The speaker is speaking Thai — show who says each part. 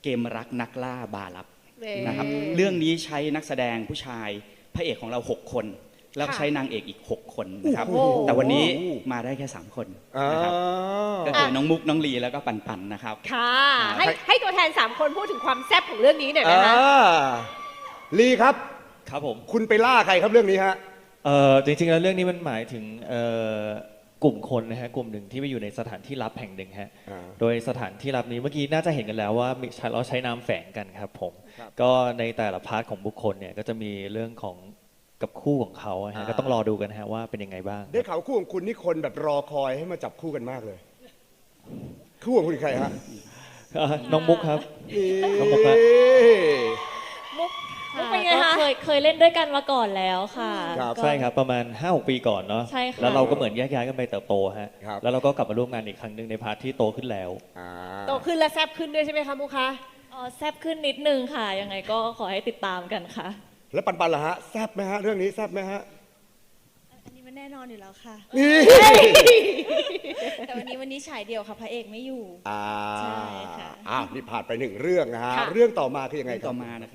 Speaker 1: เกมรักนักล่าบาลับ
Speaker 2: เอ๊ะ
Speaker 1: นะครับเรื่องนี้ใช้นักแสดงผู้ชายพระเอกของเรา6 คนแล้วก็
Speaker 2: ค่ะ
Speaker 1: ใช้นางเอกอีก6 คนนะครับ
Speaker 2: โอ้โห
Speaker 1: แต่วันนี้มาได้แค่3 คนนะครับก็คือน้องมุกน้องลีแล้วก็ปันปันนะครับ
Speaker 2: ค่ะ
Speaker 1: ครับ
Speaker 2: ให้ตัวแทน3คนพูดถึงความแซ่บของเรื่องนี้หน่อยนะคะ
Speaker 3: ลีครับ
Speaker 4: ครับผม
Speaker 3: คุณไปล่าใครครับเรื่องนี้ฮะ
Speaker 4: จริงๆแล้วเรื่องนี้มันหมายถึงกลุ่มคนนะฮะกลุ่มหนึ่งที่ไปอยู่ในสถานที่ลับแห่งหนึ่งฮะ
Speaker 3: อ่า
Speaker 4: โดยสถานที่ลับนี้เมื่อกี้น่าจะเห็นกันแล้วว่าเราใช้นามแฝงกันครับผม
Speaker 3: ครับ
Speaker 4: ก็ในแต่ละพาร์ทของบุคคลเนี่ยก็จะมีเรื่องของกับคู่ของเขาฮะก็ต้องรอดูกันฮะว่าเป็นยังไงบ้าง
Speaker 3: ได้ข่าวคู่ของคุณนี่คนแบบรอคอยให้มาจับคู่กันมากเลย คู่ของคุณใครฮะ
Speaker 4: น้องมุกครับ
Speaker 3: นี่
Speaker 4: น้องมุกฮะ
Speaker 2: มุก
Speaker 5: ค่ะ
Speaker 2: เป็นไง
Speaker 5: ก็
Speaker 2: คะ
Speaker 5: เคยเล่นด้วยกันมาก่อนแล้วค่ะ
Speaker 3: ครับ
Speaker 5: ก็
Speaker 4: ใช่ครับประมาณ 5-6 ปีก่อนเนาะ
Speaker 5: ใช่ค่ะ
Speaker 4: แล้วเราก็เหมือนแยกย้ายกันไปเติบโตฮะ
Speaker 3: ครับ
Speaker 4: แล้วเราก็กลับมาร่วมงานอีกครั้งหนึ่งในพาร์ทที่โตขึ้นแล้ว
Speaker 3: อ่า
Speaker 2: โตขึ้นและแซ่บขึ้นด้วยใช่ไหมคะมุกคะ
Speaker 5: แซบขึ้นนิดนึงค่ะ ยังไงก็ขอให้ติดตามกันค่ะ
Speaker 3: แล้วปันปันล่ะฮะแซบไหมฮะเรื่องนี้แซบไหมฮะ
Speaker 6: อันนี้มันแน่นอนอยู่แล้วค่ะ
Speaker 3: นี่
Speaker 6: แต่วันนี้ฉายเดี่ยวค่ะพระเอกไม่อยู่
Speaker 3: อ่า
Speaker 6: ใช่ค่ะ
Speaker 3: นี่ผ่านไป1 เรื่องนะฮะ
Speaker 2: ค่ะ
Speaker 3: เรื่องต่อมาคือยังไงครับ
Speaker 1: ต่อมานะครับ